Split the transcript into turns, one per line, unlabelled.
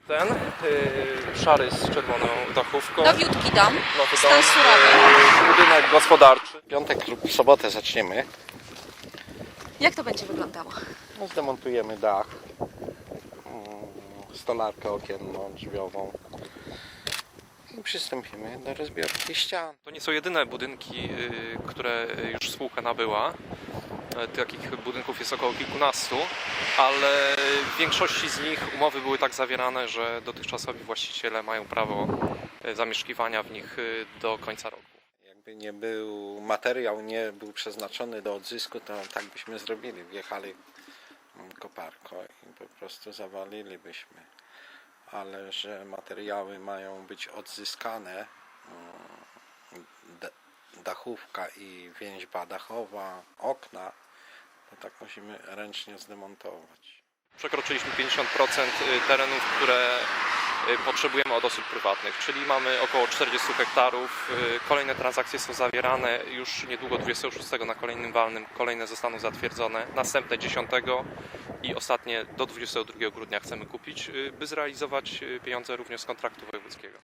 Ten szary z czerwoną dachówką.
Nowiutki dom,
Nowy
stan
dom,
surowy.
budynek gospodarczy.
W piątek lub w sobotę zaczniemy.
Jak to będzie wyglądało?
No, zdemontujemy dach, stolarkę okienną, drzwiową i przystąpimy do rozbiórki ścian.
To nie są jedyne budynki, które już spółka nabyła. Takich budynków jest około kilkunastu, ale w większości z nich umowy były tak zawierane, że dotychczasowi właściciele mają prawo zamieszkiwania w nich do końca roku.
Jakby nie był materiał, nie był przeznaczony do odzysku, to tak byśmy zrobili. Wjechali koparką i po prostu zawalilibyśmy. Ale że materiały mają być odzyskane, dachówka i więźba dachowa, okna, to tak musimy ręcznie zdemontować.
Przekroczyliśmy 50% terenów, które potrzebujemy od osób prywatnych, czyli mamy około 40 hektarów. Kolejne transakcje są zawierane już niedługo 26 na kolejnym walnym, kolejne zostaną zatwierdzone, następne 10 i ostatnie do 22 grudnia chcemy kupić, by zrealizować pieniądze również z kontraktu wojewódzkiego.